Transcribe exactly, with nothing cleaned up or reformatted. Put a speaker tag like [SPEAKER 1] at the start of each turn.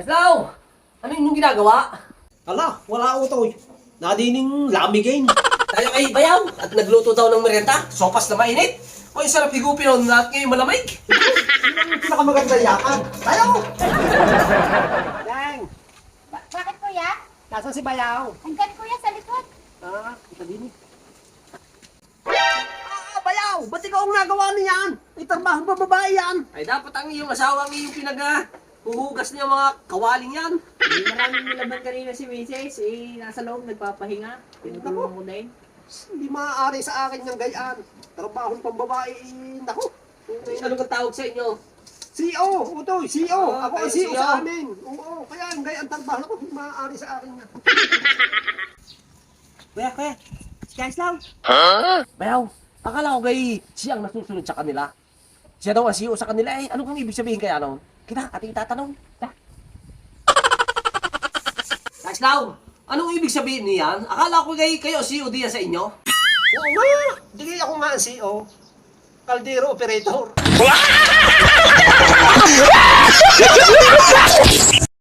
[SPEAKER 1] Aslaw! Ano yung ginagawa?
[SPEAKER 2] Ala, wala utoy. Nadining lamigin.
[SPEAKER 1] Tayo kay Bayaw at nagluto daw ng merienda. Sopas na mainit. O yung sarap higupin nun at ngayon malamig.
[SPEAKER 2] Pinakamaganda yakan. Tayo! Dang!
[SPEAKER 3] Ba- bakit kuya?
[SPEAKER 2] Nasaan si Bayaw?
[SPEAKER 3] Hanggang kuya sa likod.
[SPEAKER 2] Ah, kita din eh. Ah, Bayaw! Ba't ikaw ang nagawa niyan? Itarbahan pa babae yan.
[SPEAKER 1] Ay dapat ang iyong asawa ang iyong pinag huhugas niya mga kawaling yan.
[SPEAKER 4] Hindi maraming nilaban kanina si Missus Eh, nasa loob, nagpapahinga. Tinutulungan ko na yun.
[SPEAKER 2] Hindi maaari sa akin ng gayaan. Trabahong pambabae, naku.
[SPEAKER 1] Ano kang tawag sa inyo?
[SPEAKER 2] C O, utoy, C O.
[SPEAKER 1] Ah,
[SPEAKER 2] Ako ang
[SPEAKER 1] kayo
[SPEAKER 2] C O
[SPEAKER 1] C O.
[SPEAKER 2] sa amin. Oo, kaya ang gayaan trabaho ko, hindi maaari sa akin na.
[SPEAKER 4] Kuya, kuya. Si Kaislaw.
[SPEAKER 1] Bayaw, akala ko kay siyang nasusunod sa kanila. Siya daw ang C E O sa kanila eh. Ano kang ibig sabihin kaya noon? Kita, ating tatanong. Aslaw, anong ibig sabihin niyan? Akala ko kay kayo C E O diyan sa inyo.
[SPEAKER 2] Oo nga, hindi ako nga ang C O. Kaldero operator.